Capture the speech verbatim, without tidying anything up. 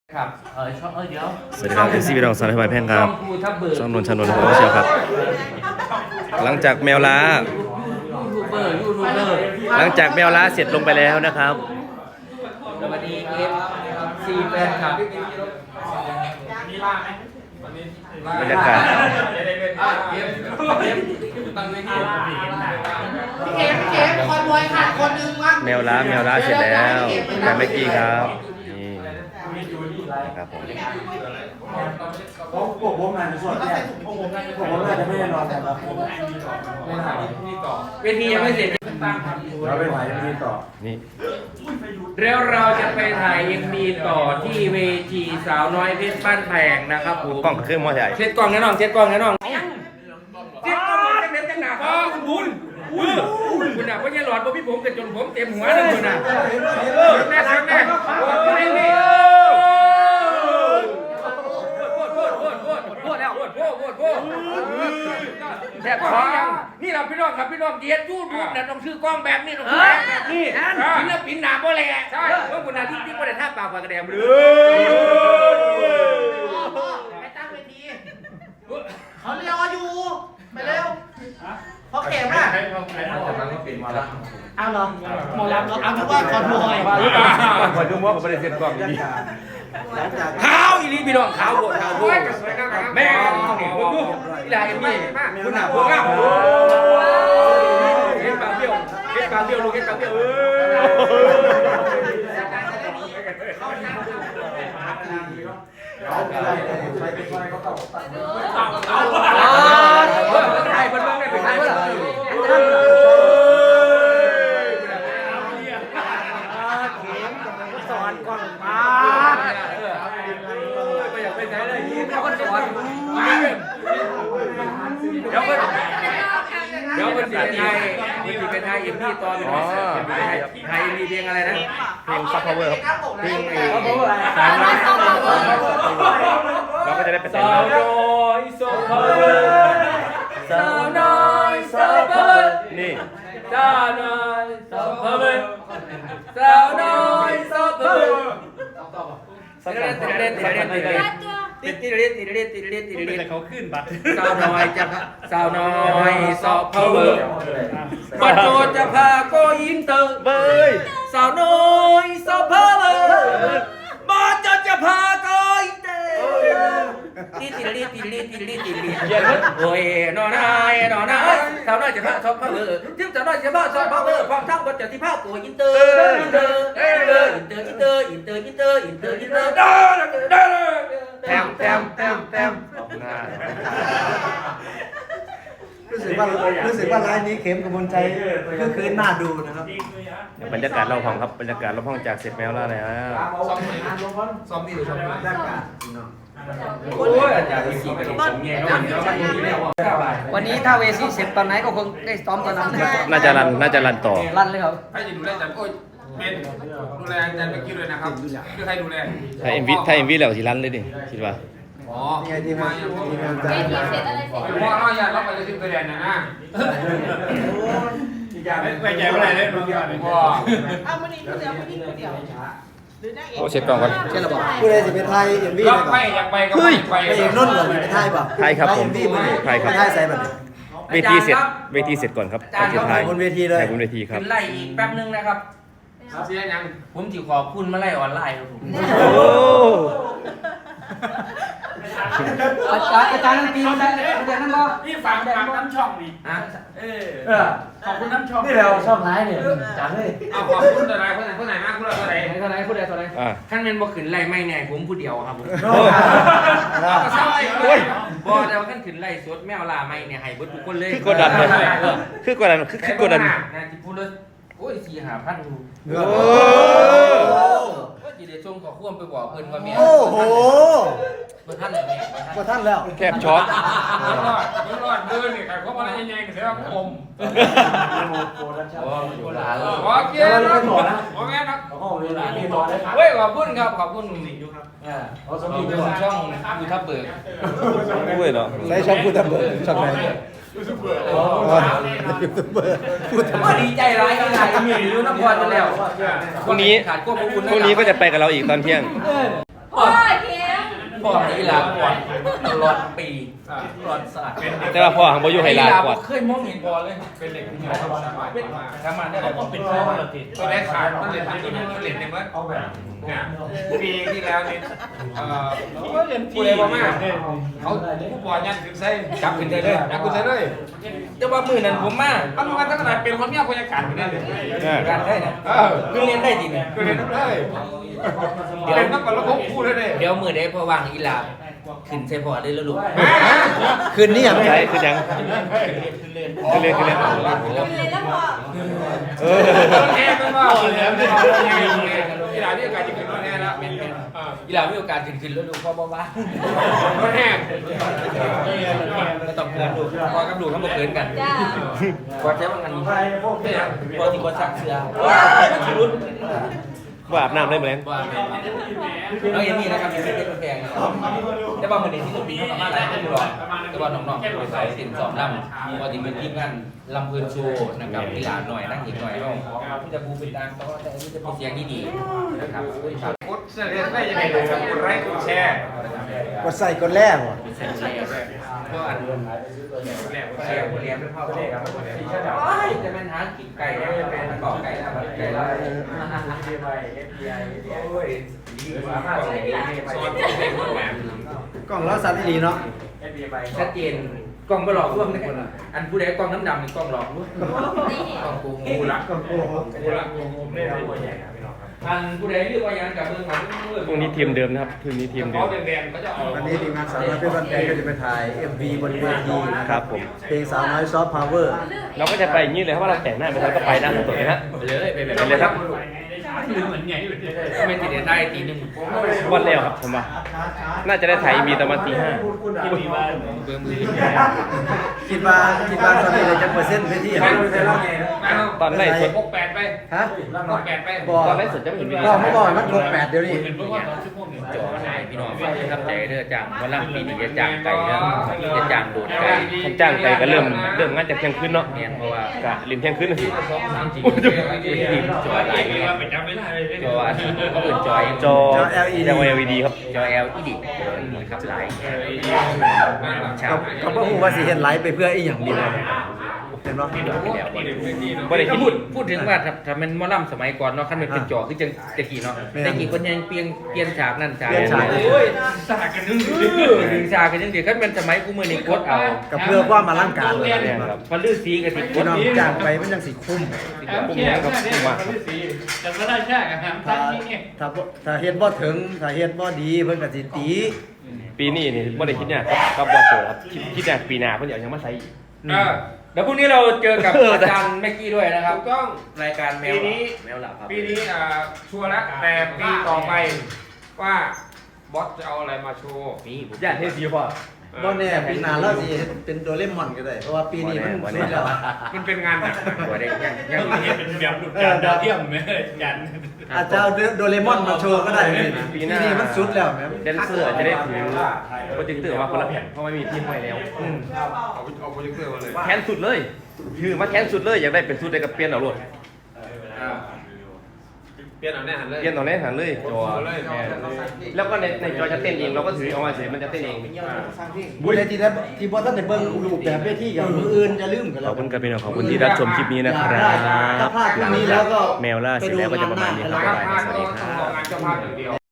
ครับเออชอบเออเดี๋ยวสวัสดีครับเอซีพี่น้องสารพัดแพงครับภูทับเบิกช่องนนชนนท์ของเชียวครับ หลังจากแมวล้ายูทูบเบอร์ยูทูบเบอร์หลังจากแมวล้าเสร็จลงไปแล้วนะครับสวัสดีเอฟซีแฟนคลับบรรยากาศพี่เข็มพี่เข็มคอนบอยขาดคนนึงมั้งแมวล้าแมวล้าเสร็จแล้วแต่เมื่อกี้ครับนี่นะครับผมผมผมผมงานในส่วนแรกผมผมน่าจะไม่ได้นอนแต่ครับผมไม่ถ่ายเวทียังไม่เสร็จเราไปถ่ายมีต่อนี่แล้วเราจะไปถ่ายเอ็มบีต่อที่เวทีสาวน้อยเพชรบ้านแพงนะครับผมกล้องเครื่องมอใหญ่เช็ดกล้องแน่นอนเช็ดกล้องแน่นอนเช็ดกล้องจังเด็ดจังหนาพ่อคุณบุญคุณน่ะเพราะยัยหลอดบ่พี่ผมกันจนผมเต็มหัวเลยคุณน่ะแน่แน่แน่โอ้ยนี่โคตรแล้วโคตรโคตรโคตรโคตรแซ่บคอนี่เราพี่น้องครับพี่น้องเดียดยูทูบเนี่ยต้องซื้อกล้องแบบนี้ต้องซื้อแบบนี้ศิลปินหนาโบแลใช่เพราะคุณน่ะที่ที่บ่ได้ท่าปากปากกระแดมเลยไปตั้งเวทีเขาเรียกอยู่ไปเร็วเพราะเข็มอ่ะเอาเหรอหมอลำเหรอเอาถือว่าคอนบอยคอนดูว่าผมไม่ได้เซ็นกล้องดีขาวอีลีพี่น้องขาวโบดขาวโบดแม่เนี่ยคุณดูอีลาเอ็มมี่คุณหนาพวกอ่ะเก็บปากเบี้ยวเก็บปากเบี้ยวลูกเก็บปากเบี้ยวเออเขาอะไรใช้เป็นไฟเขาต่อตัดเนื้อเอาเอาไทยเพิ่นเบิ่งได้เป็นไทยเพิ่นสอนก่อนมาก็อยากเป็นไทยเลยยิ้มแล้วก็สอนเดี๋ยวเพิ่นเดี๋ยวเพิ่นสิเป็นไทยเพิ่นสิเป็นไทยเอ็มพีตอนนี้ไทยมีเพลงอะไรนะเพลงซับพาวเวอร์ครับเพลงเอสาวน้อยเราก็จะได้ไปเต้นสาวแล้วน้อยโซเปอร์สาวน้อยโซเปอร์นี่สาวน้อยโซเปอร์สาวน้อยโซเปอร์ติดเล่นติดเล่นติดเล่นติดเล่นติดเล่นติดเล่นติดเล่นติดเล่นเขาขึ้นบัตรสาวน้อยจะสาวน้อยโซเปอร์บัตรโจจะพาโกอินเตอร์เบ้ยสาวน้อยโซเปอร์บัตรโจจะพาโกอินเตอร์ติดเล่นติดเล่นติดเล่นติดเล่นโอ้ยนอนนายนอนนายสาวน้อยจะพาโซเปอร์ทิมสาวน้อยจะพาโซเปอร์พร้อมทั้งบัตรจะที่พาโกอินเตอร์อินเตอร์อินเตอร์อินเตอร์อินเตอร์อินเตอร์อินเตอร์อินเตอร์อินเตอร์เด้อเด้อแต้มแต้มแต้มแต้มหน้ารู้สึกว่ารู้สึกว่าร้านนี้เข็มกับมนใจคือคืนน่าดูนะครับบรรยากาศรอบห้องครับบรรยากาศรอบห้องจากเสร็จแมวล้าแล้วซ้อมดีหรือซ้อมบรรยากาศโอ้ยอาจารย์สี่กระดิ่งผมแง่น้องวันนี้ถ้าเวซีเสร็จตอนไหนก็คงได้ซ้อมตอนนั้นน่าจะรันน่าจะรันต่อรันเลยครับใครจะดูแลอาจารย์โอ้ยเป็นดูแลอาจารย์เมื่อกี้เลยนะครับคือใครดูแลถ้าเอ็มวีถ้าเอ็มวีแล้วสิรันเลยดิคิดว่าอ๋อนี่ไงที่มาที่มาเวทีเสร็จอะไรเสร็จพ่อเราอยากรับไปเลยที่กระเด็นนะนะอีกอย่างไม่ใจไม่ได้เลยพ่อเอามานี่เดียวมานี่เดียวหรือได้เองโอ้เช็ดกล้องก่อนเช่นระบอกผู้ใดจะเป็นไทยเอ็มวีรัไปบก่ไปอนอยากไปก็ไปไปเอกนุ่นก่อนเป็นไทยป่ะไทยครับผมเอ็มวีมันไทยครับไทยใส่แบบนี้เวทีเสร็จเวทีเสร็จก่อนครับก่อนจะถ่ายบนเวทีเลยถ่ายบนเวทีครับขึ้นไล่อีกแป๊บนึงนะครับเสียยังผมจิขอบคุณมาไล่ออนไลน์ครับผมโอ้อาจารย์อาจารย์ตีมันได้อาจารย์นั่นบ่นี่ฝากฝากน้ำช่องนี่อ่ะเออขอบคุณน้ำช่องนี่เราชอบท้ายเนี่ยจังเลยเอาขอบคุณอะไรคนไหนคนไหนมากคุณอะไรไหนเท่าไหร่พูดได้เท่าไหร่อ่าขั้นเป็นบ่ขึ้นไล่ไม่เนี่ยผมผู้เดียวครับผมโอ้ก็ใช่โอ้ยบ่แต่ว่าขั้นขึ้นไล่สดแมวลาไม่เนี่ยให้เบิดทุกคนเลยคือกดดันเลยคือกดดันคือคือกดดันนะที่พูดเลยโอ้ยสี่หาพันดูโอ้ก็จีเดชงขอควมไปบอกเพิ่นว่าแม่โอ้โหบ่ทันเลยแม่กว่าท่านแล้วแทบช็อกรอดรอดเดินนี่ใครเขาบอกอะไรยังไงก็เสียว่าอมโอ้ยโบราณโอเคนะโอเคนะเฮ้ยขอบคุณครับขอบคุณอยู่ครับเขาสขมอบบูคุรณณ์ช่องยูทูบเบิร์กโอ้ยเนาะใช้ช่องพูดทำเบอร์ช่องไหนยูทูบเบอร์พูดทำเบอก็ร์ดีใจร้ายกันหลายมีอยู่นครมาแล้วพรุ่งนี้ขาดควบคุมพรุ่งนี้ก็จะไปกับเราอีกตอนเที่ยงโอ้ยพ่อนี่ลาก่อนตลอดปีตลอดศาสตร์แต่ว่าพ่อของบ่อยู่ให้ลากอดเคยมองเห็นพอเลยเป็นเด็กที่สบายมากทำมาได้แล้วก็เป็นพ่อเราติดตัวแรกขาดมันเหรียญที่นี่มันเหรียญในมันเอาแบบเนี่ยปีที่แล้วนี่เอ่อผู้ใดบอกมาเขาผู้บอลยันขึ้นใส่จับขึ้นใส่เลยจับขึ้นใส่เลยแต่ว่ามือนั้นผมมามันมาตั้งแต่เป็นคนเมียพยากาศอยู่เนี่ยการได้นะเออคือเรียนได้จริงคือเรียนได้เดี๋ยวนักบอลระบบคู่เลยเนี่ยเดี๋ยวมือได้พอวางอีลาขึ้นใส่พอได้แล้วลูกคืนนี้อย่างใช่คือยังคือเรียนคือเรียนกินเลยแล้วพอเออแน่ไม่ว่าเลยที่ร้านที่อากาศจะขึ้นรถแน่แล้วอีลามีโอกาสขึ้นขึ้นแล้วลูกพ่อบ้าบ้ารถแน่ไม่ต้องเกินลูกพอกับลูกเขาบอกเกินกันจ้าพอใช้บางอันไปพวกเนี่ยพอที่คนสักเสือชีรุนว่าอาบน้ำได้ไหมแล้ว่าเราอย่างนี้นะครับเป็นเป็นแพงแต่ว่ามันในที่สุดมีเขาสามารถไล่ได้หรอกแต่ว่าน้องๆไปใส่สินสอบลำพอที่เป็นทีมงานลำเพลินโชว์นะครับกีฬาหน่อยนั่งอีกหน่อยเราที่จะบูเป็นดังแต่ว่าแต่อันนี้จะเป็นเสียงดีๆนะครับกดเสื้อเรียนได้ยังไงเลยครับกดไลค์กดแชร์กดใส่กดแรกว่ะเพราะอันเชียร์เรียนไม่พอเลยครับโอ้ยจะเป็นหากินไก่แล้วเป็นก่อไก่แล้วไก่แล้วโอ้ยดีกว่าสอนเด็กคนแบบกล้องล้อสัตว์ดีเนาะชัดเจนกล้องไม่หลอกลวงเลยอันผู้ใดกล้องน้ำดำเป็นกล้องหลอกลวงกล้องกูงูละก็โกหกกูละอันผู้ใดเรียกว่ายังกับเรื่องของพรุ่งนี้ทีมเดิมนะครับพรุ่งนี้ทีมเดิเขามแดงๆก็จะเอาวันนี้ทีมงานสาวน้อยเพื่อนบ้านแพงก็จะไปถ่าย เอ็ม วี บนเวทีนะครับผมเพลงสาวน้อยซอฟต์พาวเวอร์เราก็จะไปอย่างนี้เลยครับว่าเราแต่งหน้าไปแล้วก็ไปนะสดๆเลยฮะไปเลยไปแบบไปเลยครับไม่ติดได้ตีหนึ่งวันแล้วครับผมว่าน่าจะได้ถ่ายมีประมาณตีห้าเบอร์มือคิดว่าคิดว่าตอนนี้เลยจะเปอร์เซ็นต์ไปที่ไหนตอนไล่สดหกแปดไปฮะหกแปดไปบอตอนไล่สดจะไม่เห็นมีก็เมื่อก่อนมันครบแปดเดี๋ยวนี้จอไหนพี่น้องฟังทำใจเด้อจ้างวันล่ำปีนี้จะจ้างไก่เด้อจะจ้างโดดไก่ผมจ้างไปก็เริ่มเริ่มงานจากเที่ยงคืนเนาะเนี่ยเพราะว่ากะริมเที่ยงคืนนะสิจริงๆจอหลายเลยจออันนี้ก็เป็นจอยจอ แอล อี ดี ครับจอ แอล อี ดี ครับหลายกับกับพ่อฮูว่าสิเห็นไลฟ์ไปเพื่ออีหยังดีเลยเห็นป่ะบ่ได้คิดพูดพูดถึงว่าถ้าถ้ามันมอลำสมัยก่อนเนาะคันมันเป็นจอคือจังตะกี้เนาะตะกี้คนยังเปลี่ยนเปลี่ยนฉากนั่นฉากโอ้ยฉากกันนึงดึงฉากกันยังเดี๋ยวคันเป็นสมัยกูมือนี่กดเอากับเพื่อความมาร่างการเลยเนี่ยครับมันลื่นสีกับติดกพี่ดน้องจ้างไปมันยังสิคุ้มผมยังครับผมว่าครับแต่ก็ได้แค่กันครับถ้าถ้าบ่ถ้าเฮ็ดบ่ถึงถ้าเฮ็ดบ่ดีเพิ่นก็สิตีปีนี้นี่บ่ได้คิดเนี่ยกับบอสโจครับคิดคิดเนี่ยปีหน้าเพิ่นอยากยังมาใส่อีกเออเดี๋ยวพรุ่งนี้เราเจอกับอาจารย์แม็กกี้ด้วยนะครับถูกต้องรายการแมวปีนี้แมวหลับครับปีนี้อ่าชัวร์แล้วแต่ปีต่อไปว่าบอสจะเอาอะไรมาโชว์นี่ผมญาติเทสีพ่อบ่แน่ปีหน้าเราสิเป็นโดเรมอนก็ได้เพราะว่าปีนี้มันบ่สุแน่ดแล้วมันเป็นงานหนักตัวได้ยังยังเป็นแบบหลุดจานดาวเทียมไหมยันอาจจะเอาโดเรมอนมาโชว์ก็ได้ปีนี้มันสุดแล้วแม่แดนเซอร์จะได้ถือโปรเจคเตอร์มาคนละแผ่นเพราะไม่มีทีมไว้แล้วเอาเอาโปรเจคเตอร์มาเลยแค้นสุดเลยคือมาแค้นสุดเลยอยากได้เป็นสุดได้กับเปลี่ยนเอาโลดเปลี่ยนเอาแน่หันเลยเปลี่ยนตอนแรกหันเลยจอเลยแล้วก็ในในจอจะเต้นเองเราก็ถือเอามาเฉยมันจะเต้นเองบุญเลยที่ได้ที่บ่ทันได้เบิ่งรูปแบบเวทีอย่างมืออื่นอย่าลืมกันขแล้อวบคุณครับพี่น้องขอบคุณที่รับชมคลิปนี้นะครับถ้าพลาดพรุ่งนี้แล้วก็แมวล่าเสร็จแล้วก็จะประมาณนี้ครับถ้าบ๊ายบายพลาดสวัสก็ดีคต้องรัรอบ งานเจ้าภาพอย่างเดียว